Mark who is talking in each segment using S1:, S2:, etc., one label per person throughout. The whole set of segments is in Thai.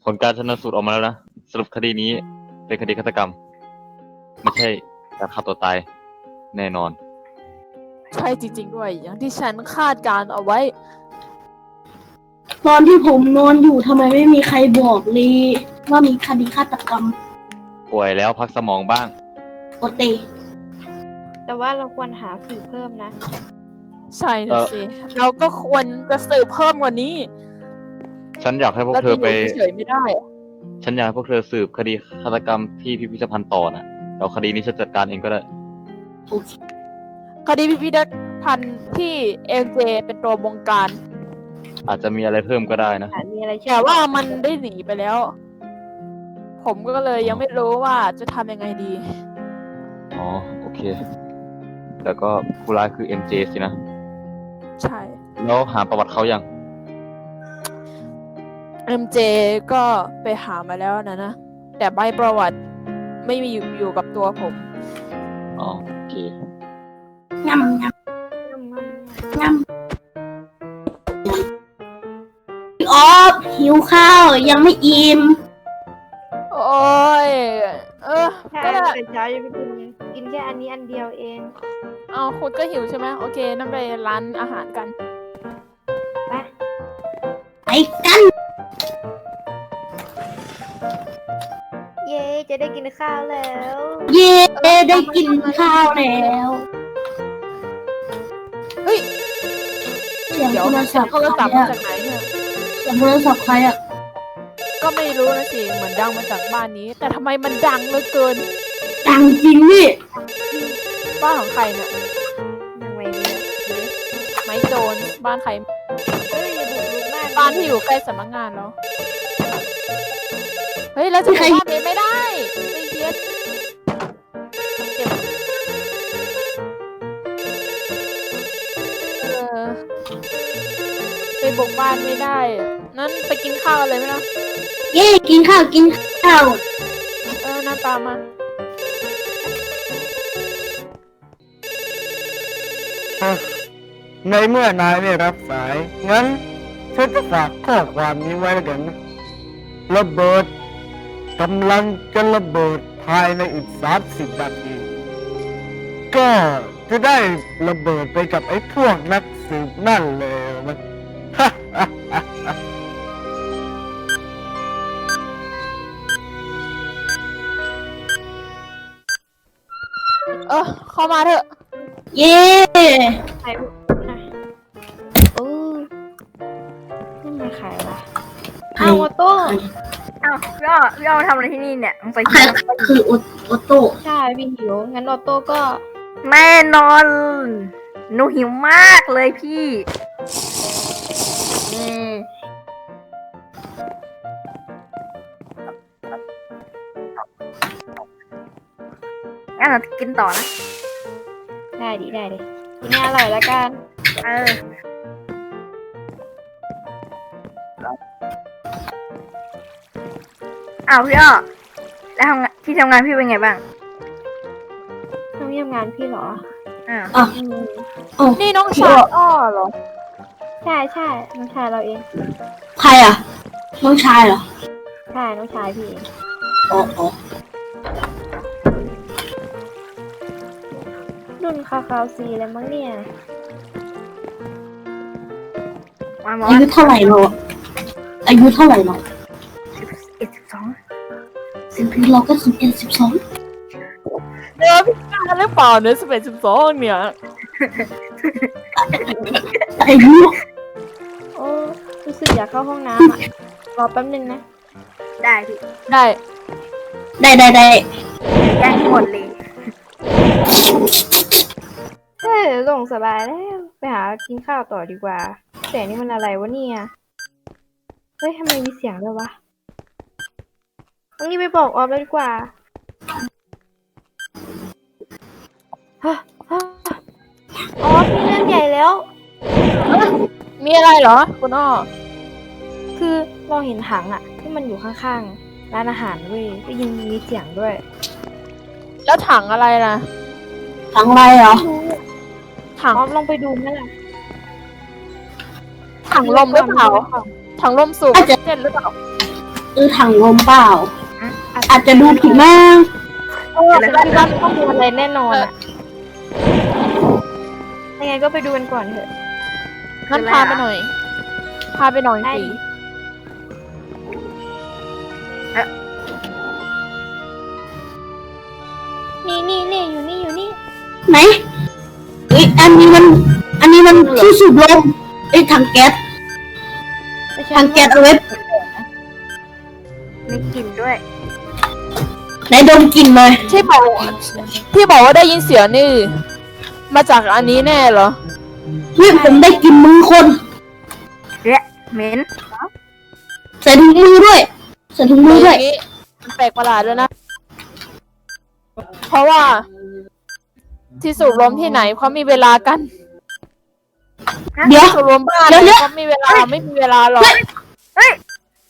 S1: ผลการชันสูตรออกมาแล้วนะสรุปคดีนี้เป็นคดีฆาตกรรมไม่ใช่การฆ่าตัวตายแน่นอน
S2: ใช่จริงๆด้วยอย่างที่ฉันคาดการเอาไว้
S3: ตอนที่ผมนอนอยู่ทำไมไม่มีใครบอกเลยว่ามีคดีฆาตกรรม
S1: ป่วยแล้วพักสมองบ้าง
S3: โอเต
S4: แต่ว่าเราควรหาสื่อเพิ่มนะ
S2: ใช่นะสิเราก็ควรจะสืบเพิ่มกว่านี้
S1: ฉันอยากให้พวก
S2: เรา
S1: เธ
S2: จะ
S1: อ
S2: อ
S1: ไป
S2: ยู่เฉยๆไม่ได้อะ
S1: ฉันอยากให้พวกเธอสืบคดีฆาตกรรมที่พิพิธภัณฑ์ต่อนะแล้วคดีนี้ฉันจัดการเองก็ได้
S3: โอเค
S2: คดีพิพิธภัณฑ์ที่เอ็มเจเป็นตัวบงการ
S1: อาจจะมีอะไรเพิ่มก็ได้นะ
S4: มีอะไร
S2: แต่ว่ามันได้หนีไปแล้ว ผมก็เลยยังไม่รู้ว่าจะทำยังไงดี
S1: อ๋อโอเค แล้วก็ผู้ร้ายคือ MJ สินะ
S2: ใช่
S1: แล้วหาประวัติเขายัง
S2: MJ ก็ไปหามาแล้วนะแต่ใบประวัติไม่มีอยู่กับตัวผม
S1: อ๋อโอเค
S3: งำงำงำพี่ออฟหิวข้าวยังไม่อิ่ม
S2: โอ้ย
S4: ใช่
S2: ก็ได้
S4: แต่เช้ายังไม่กินเลยกินแค่อันนี้อันเดียวเอง
S2: เอาคุณก็หิวใช่ไหมโอเคนั่นไปร้านอาหารกัน
S4: ไป
S3: ไปกัน
S4: เย้จะได้กินข้าวแล้ว
S3: เย่ได้กินข้าวแล้ว
S2: เฮ้ย
S3: เสียง
S2: เดี๋ยว
S3: โทรศัพท์
S2: โทรศัพท์
S3: ใคร
S2: มา
S3: อะ
S2: จากไหนเนี่ย
S3: เสียงโทรศัพท์ใครอะ
S2: ก็ไม่รู้นะสิเหมือนดังมาจากบ้านนี้ แต่ทำไมมันดังเหลือเกิน
S3: ดังจริงนี่
S2: บ้านของใครเนี่ย
S4: ยังไงดีอะ
S2: ไม้โจรบ้านใคร
S4: เฮ้ยอย่าบุกรุกมาก
S2: บ้านที่อยู่ใกล้สำนักงานแล้วเฮ้ยแล้วจะไปบ้านนี้ไม่ได้ไปเย็ดเก็บไปบุกบ้านไม่ได้อะนั้นไปกินข้าวอะไรไหมนะ
S3: เย่กินข้าวกินข้าว
S2: หน้าตามมา
S5: ในเมื่อนายไม่รับสาย งั้นฉันจะฝากข้อความนี้ไว้แล้วกันนะระเบิดกำลังจะระเบิดภายในอีก30 นาที ก็จะได้ระเบิดไปกับไอ้พวกนักสืบนั่นเลยมัน
S2: เข้ามาเถอะ
S3: เย่
S4: ใครบุกนะโอ้นี่มันใครวะอ้าวออโต้
S6: อ้าวพี่อ้อมาทำอะไรที่นี่เนี่ยสงสัย
S3: ใครคือโอโต้
S4: ใช่พี่หิวงั้นออโต้ก็
S6: แน่นอน หนูหิวมากเลยพี่อืมงั้นเรากินต่อนะ
S4: ได้ดิได้ดิกินให้อร่อยแล้วกัน
S6: เอออ้าวพี่อ้อแล้วที่ทำงานพี่เป็นไงบ้าง
S4: ต้องเยี่ยมงานพี่เหรอ
S6: อ่า
S3: อ่ะ
S4: อืม
S3: โอ้
S2: นี่น้องชายอ้อเหรอ
S4: ใช่ใช่น้องชายเราเอง
S3: ใครอะน้องชายเหรอ
S4: ใช่น้องชายพี่เอง
S3: อ๋ออ๋อ
S4: รุ่นคาวซีแล้วมั้งเนี่ย
S6: มาหมอ
S3: อายุเท่าไหร่เราอะอายุเท่าไหร่เรา
S6: 12
S3: สิบปีเราก็11 12
S2: เนื้อพิการหรือเปล่าเนื้อ11 12เนี่ย
S3: อายุ
S4: โอ้รู้สึกอยากเข้าห้องน้ำอ่ะ รอแป๊บนึงนะ
S6: ได้พี่
S2: ได้
S3: ได้
S6: แย่งหมดเลย
S4: เฮ้ยลงสบายแล้ว ไปหากินข้าวต่อดีกว่าเสียงนี่มันอะไรวะเนี่ย เฮ้ยทำไมมีเสียงด้วยวะเอางี้ไปบอกออฟเลยดีกว่าฮะฮะออฟมีเรื่องใหญ่แล้ว
S2: มีอะไรเหรอคุณอ้อ
S4: คือเราเห็นถังอะที่มันอยู่ข้างๆร้านอาหารเว้ยได้ยินมีเสียงด้วย
S2: แล้วถังอะไรนะ
S3: ทั้งไรเหรอ
S2: ถัง
S4: ออฟลองไปดูไหมล่ะ
S2: ถังลมหรือเปล่าถังลมสูบออกซิเจนหรือเปล่า
S3: ถังลมเปล่า อาจจะดูผิดมาก
S4: ฉันคิดว่าต้องมีอะไรแน่นอนอะยังไงก็ไปดูกันก่อนเถอะ
S2: งั้นพาไปหน่อย พาไปหน่อย
S4: ได้
S2: สิ
S4: นี่อยู่นี่
S3: ไหนอันนี้มันที่สูบลมถังแก๊ส
S4: แต่ฉั
S3: ถั
S4: น
S3: งแก๊สเอาไว้
S6: มีกลิ่นด้วย
S3: ไหนดมกลิ่นเลย
S2: ที่บอกว่าได้ยินเสียงนี่ มาจากอันนี้แน่เหรอ
S3: นี่ผมได้กลิ่นมือคน
S6: เละเหม็น
S3: ใส่ถุงมือด้วยใส่ถุงมือด้วย
S2: อย่างนี้มันแปลกประหลาดแล้วนะ เพราะว่า ที่สูบลมที่ไหนเขามีเวลากัน
S3: เดี๋ยว
S2: สูบลมบ้าน
S3: เดี๋ยว
S2: เขามีเวลาไม่มีเวลาหรอก
S6: เฮ้ย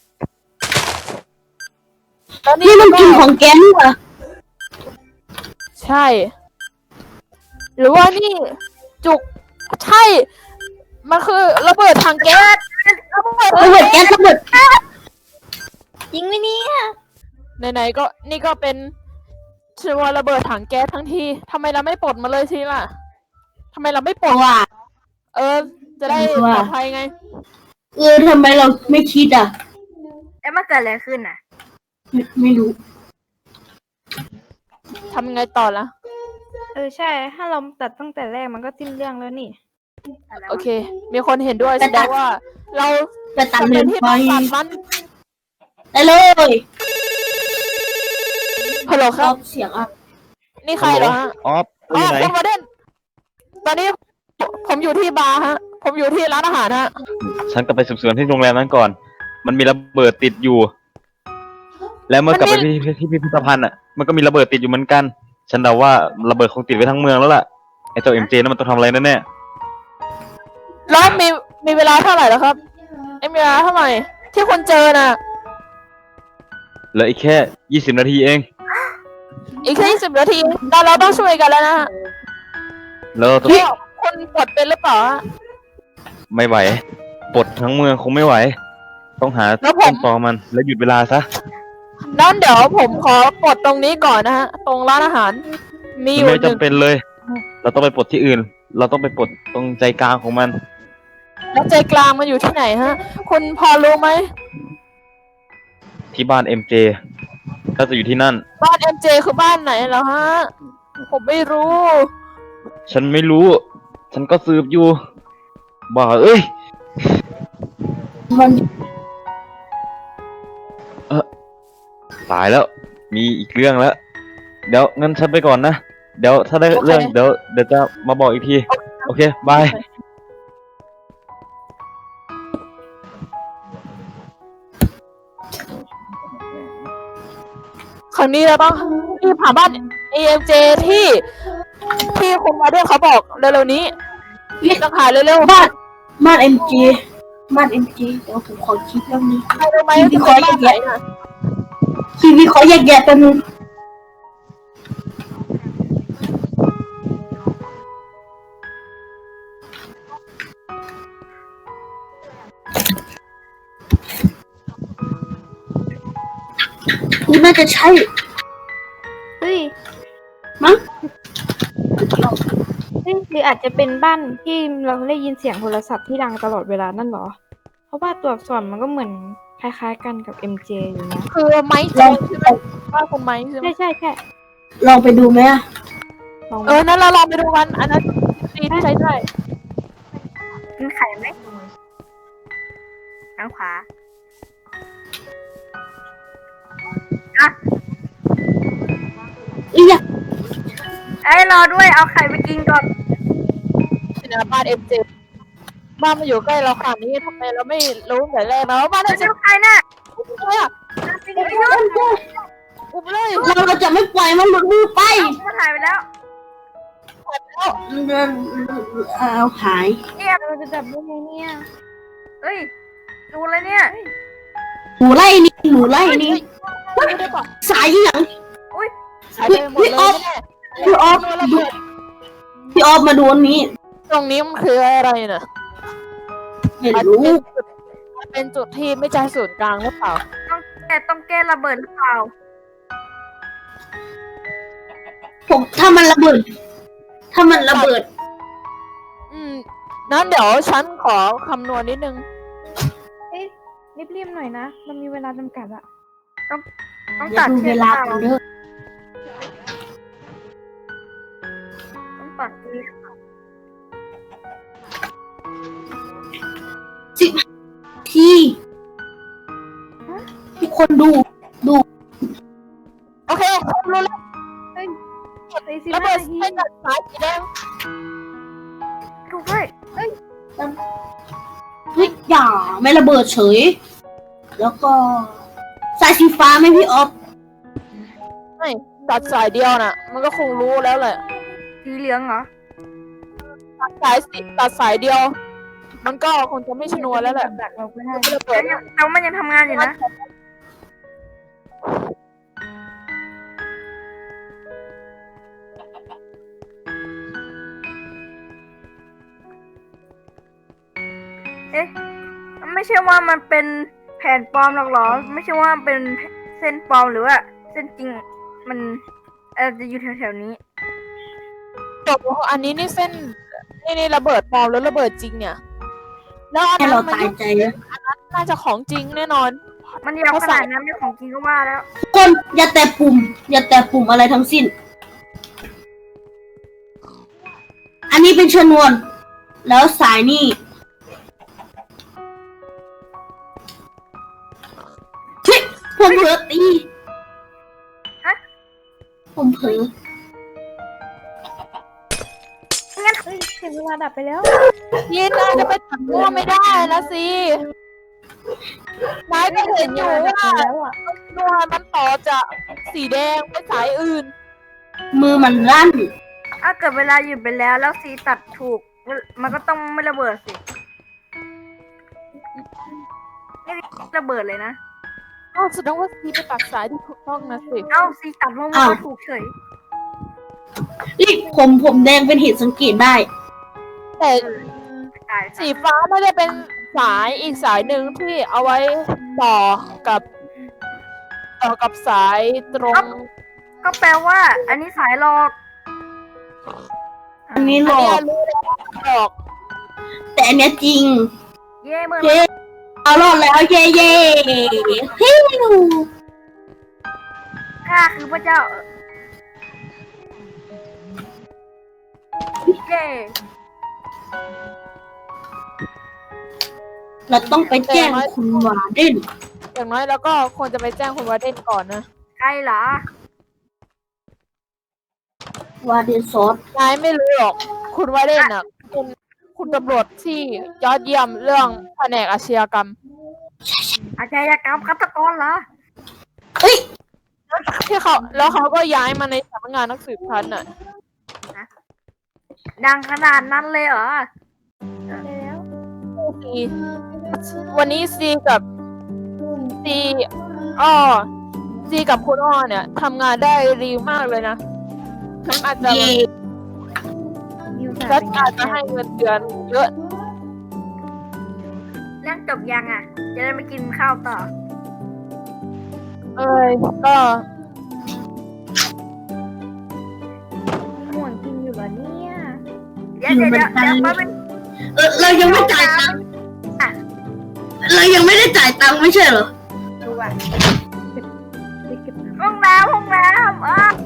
S2: แล้ว
S3: นี่มันกลิ่นของแก๊สเหรอ
S2: ใช่ หรือว่านี่ จุกใช่ มันคือระเบิดถังแก๊สระเบิด
S3: ระเบิดแก๊สระเบิด
S4: จริงไหมเนี่ย
S2: ไหนๆก็นี่ก็เป็นชื่อว่าระเบิดถังแก๊สทั้งทีทำไมเราไม่ปลดมาเลยทีล่ะทำไมเราไม่ปลด
S3: ว่า
S2: จะได้ปลอดภัยไง
S3: ทำไมเราไม่คิดอ่ะ
S6: แล้วมันเกิดอะไรขึ้นอ่ะ
S3: ไม่รู้
S2: ทำยังไงต่อละ
S4: ใช่ ถ้าเราตัดตั้งแต่แรกมันก็สิ้นเรื่องแล้วนี่
S2: โอเค มีคนเห็นด้วยแสดงว่า เรา
S3: ไปตัด
S2: จะ
S3: เล
S2: เป็น
S3: น
S2: ที่
S3: ไฟ
S2: ต้องตัดมัน
S3: ได้เลย
S2: ฮัลโหลค
S3: ช
S2: รั
S3: อ
S2: บบ
S3: เสียงอ่ะ
S2: นี่ใครเหรอฮะ
S1: ออฟอยู่ไหน
S2: คุณวาเดนตอนนี้ผมอยู่ที่บาร์ฮะ ผมอยู่ที่ร้านอาหารฮะ
S1: ฉันกลับไปสืบสวนที่โรงแรมนั้นก่อน มันมีระเบิดติดอยู่ แล้วเมื่อกลับไปที่พิพิธภัณฑ์อ่ะ มันก็มีระเบิดติดอยู่เหมือนกัน ฉันเดาว่าระเบิดคงติดไว้ทั้งเมืองแล้วล่ะ ไอ้เจ้าเอ็มเจนั่นมันต้องทำอะไรแน่
S2: แล้วมีเวลาเท่าไหร่แล้วครับมีเวลาเท่าไหร่ ที่คุณเจอน่ะ
S1: ๆเหลืออีกแค่20 นาทีเอง
S2: อีกแค่20 นาทีเราต้องช่วยกันแล้วนะฮะ
S1: แล้วเราต้อง
S2: พี่คุณปลดเป็นหรือเปล่าฮะ
S1: ไม่ไหวปลดทั้งเมืองคงไม่ไหว ต้องหา
S2: แล้วผม
S1: ต้นตอมัน แล้วหยุดเวลาซะ
S2: นั้นเดี๋ยวผมขอปลดตรงนี้ก่อนนะฮะ ตรงร้านอาหาร มีอ
S1: มัน
S2: ยู่
S1: ไม่
S2: หนึ่ง
S1: จำเป็นเลย เราต้องไปปลดที่อื่น เราต้องไปปลดตรงใจกลางของมัน
S2: แล้วใจกลางมันอยู่ที่ไหนฮะ คุณพอรู้ไหม
S1: ที่บ้าน MJ ก็จะอยู่ที่นั่น
S2: บ้าน MJ คือบ้านไหนเหรอฮะ ผมไม่รู้
S1: ฉันไม่รู้ ฉันก็สืบอยู่ บ้าเอ้ย
S3: มัน
S1: ตายแล้ว มีอีกเรื่องแล้ว เดี๋ยวงั้นฉันไปก่อนนะ เดี๋ยวถ้าได้
S2: โอเค
S1: เรื่องเดี๋ยวจะมาบอกอีกที โอเค บาย
S2: ครั้งนี้เราต้องรีบหาบ้าน AMJ ที่คุณมาด้วยเขาบอกเร็วๆนี้ต้องหาเร็วๆ
S3: บ้านเอ็มจีบ้านเอ็มจีเดี๋ยวผมขอคิดเรื่องนี้
S2: ใครรู้ไหม
S3: ที่
S2: ว่า
S3: เขา
S2: เป็นบ้านไหนน่ะ
S3: ชีวิตเขาแยกแยะกันงนี่น่าจะใช่
S4: เฮ้ย
S3: มั้ง
S4: หรืออาจจะเป็นบ้านที่เราได้ยินเสียงโทรศัพท์ที่ดังตลอดเวลานั่นเหรอ เพราะว่าตัวอักษรมันก็เหมือนคล้ายๆกันกับ MJ อยู่นะ
S2: คือไม้โจ
S3: ลอง
S2: นใช่ไหมบ้านคุณไม้ใช่ไหม
S4: ใช่
S3: ลองไปดูไหมอะ
S4: ลอง
S2: นั่นเราลองไปดูกันอันนั้นดีที่ใช้ได้
S6: กินไข่ไหมทางขวา
S3: อยาก
S6: รอด้วย เอาไข่ไปกินก่อน
S2: นะบ้าน MJ บ้านมาอยู่ใกล้เราขนาดนี้ทำไมเราไม่รู้แต่แรกนะว่าบ้าน MJ
S6: เจ้าไข่น่ะ
S2: อะไรอ่ะอุ้มเลย
S3: เราจะไม่ปล่อยมันหลุดมือไป
S6: มันหายไปแล้ว
S3: เอาหาย
S4: เราจะจับได้ไงเนี่ย
S6: เฮ้ย ดูเลยเนี่ย
S3: หมูไล่นี่หมูไล่นี่
S2: ไม่ได้บอก
S3: สายอย่าง
S2: หายไปหมดเลยแน่
S3: พี่ออฟดูพี่ออฟมาดูอันนี้
S2: ตรงนี้มันคืออะไรน่ะ
S3: ไม่รู้
S2: มันเป็นจุดที่ไม่ใช่ศูนย์กลางหรือเปล่า
S6: แต่ต้องแก้ระเบิดหรือเปล่า
S3: ผมถ้ามันระเบิด
S2: นั้นเดี๋ยวฉันขอคำนวณนิดนึง
S4: เอ้ยรีบๆหน่อยนะ มันมีเวลาจำกัดอะ
S6: ต้อง
S3: อย่า
S6: ตัด
S3: ดู
S6: เชื
S3: เว
S6: อก
S3: ลา
S6: เปล่า
S3: กันเด้อ
S6: ต้องตัดเชือก
S3: ที่ทุกคนดู
S2: โอเครู้แล้ว
S4: 45
S2: ระเบิด
S4: นาที
S2: เส้นตัดสายสีแดง
S6: ถูกด้วย
S3: เฮ้ยอย่าไม่ระเบิดเฉย แล้วก็สายสีฟ้าไหมพี่ออฟ
S2: ไม่ตัดสายเดียวน่ะ มันก็คงรู้แล้วแหละ
S6: สีเหลืองเหรอ
S2: ตัดสายเดียว มันก็คงจะไม่ชนวนแล้วแหละ
S4: ดักเราก็ได้
S2: ไม่ระเบิด
S6: แต่มันยังทำงานอยู่นะ เอ๊ะ ไม่ใช่ว่ามันเป็นแผ่นปลอมหรอกเหรอ ไม่ใช่ว่ามันเป็นเส้นปลอมหรือว่าเส้นจริง มันจะอยู่แถวๆนี้
S2: จบอันนี้นี่เส้นนี่ระเบิดปลอมแล้วระเบิดจริงเนี่ย แล้วอัน
S3: ให้
S2: นั้น
S3: เรา
S2: มัน
S3: ตายใจนะ
S2: น่าจะของจริงแน่นอน
S6: มันยาวขนาดนั้นไม่ของจริงก็ว่าแล้ว
S3: ทุกคนอย่าแตะปุ่ม อย่าแตะปุ่มอะไรทั้งสิ้น อันนี้เป็นชนวน แล้วสายนี่เฮ้ยผมเผลอตี
S6: ฮะ
S3: ผมเผลอ
S4: เฮ้ยถึงเวลาดับไปแล้ว
S2: ยินนายจะไปตัดมั่วไม่ได้นะสินายก็เห็นอยู่ว่า
S4: แล้วอ่ะ
S2: นวลมันต่อจากสีแดงไปสายอื่น
S3: มือมันลั่น
S6: ถ้าเกิดเวลาหยุดไปแล้วแล้วซีตัดถูก มันก็ต้องไม่ระเบิดสินี่ระเบิดเลยนะ
S2: ก็แสดงว่าซีไปตัดสายที่ถูกต้องนะสิ
S6: เอ้าซีตัดมั่ว
S3: อ้าว
S6: ๆถูกเฉย
S3: นี่ผมแดงเป็นเหตุสังเกตได้
S2: แต่
S6: ตาย
S2: สีฟ้าไม่ได้เป็นสายอีกสายหนึ่งที่เอาไว้ต่อกับสายตรง
S6: ก็แปลว่า อันนี้สายหลอก
S3: อันนี้หล
S2: อัน
S3: อ
S2: เนี้ย
S3: ก
S2: รู้แล้วหลอก
S3: แต่อันเนี้ยจริง
S6: เย่เมื่อ
S3: เย้เอารอดแล้วเย้เย้ฮิว
S6: ข้าคือพระเจ้าเย่
S3: เราต้องไปแจ้งคุณวาเดน
S2: อย่างน้อยแล้วก็ควรจะไปแจ้งคุณวาเดนก่อนนะ
S6: ใครเหรอ
S3: วาเดนซอส
S2: นายไม่รู้หรอก คุณวาเดนอ่ะคุณตำรวจที่ยอดเยี่ยมเรื่องแผนกอาชญากรรม
S6: อาชญากรรมฆาตกรเหรอ
S3: เฮ้ย
S2: ที่เขาก็ย้ายมาในสำนักงานนักสืบพันน่ะ
S6: ดังขนาดนั้นเลยเหรอ
S4: แล้ว
S2: ซีวันนี้ซีกับซีอ้อซีกับคุณอ้อเนี่ยทำงานได้ดีมากเลยนะฉันอาจจะ
S3: เย่
S4: นิว
S2: ฉันอาจจะให้เงินเดือนเยอะ
S6: เรื่องจบยังอ่ะ จะได้ไปกินข้าวต่อ
S2: ก็
S4: ห่วงกินอยู่เหรอเนี่ย
S6: เดี๋ยวมาเป็น
S3: เรายังไม่จ่ายตังค์เรายังไม่ได้จ่ายตังค์ไม่ใช่เหรอ
S6: ดูอ่ะ
S4: ไปเก็บน้
S6: ห้องน้ำ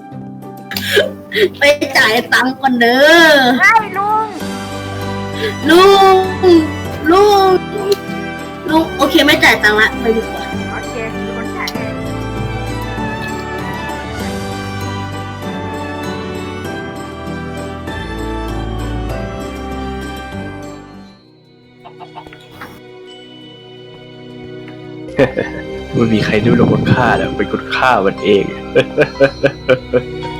S3: ไปจ่ายตังค์ก่อนเด้อ
S6: ไอ้ลุง
S3: ลุงโอเคไม่จ่ายตังค์ละไปดีกว่า
S6: โอเคมีคนจ่ายให้
S7: ไม่มีใครรู้หรอกว่าข้าน่ะเป็นคนฆ่ามันเอง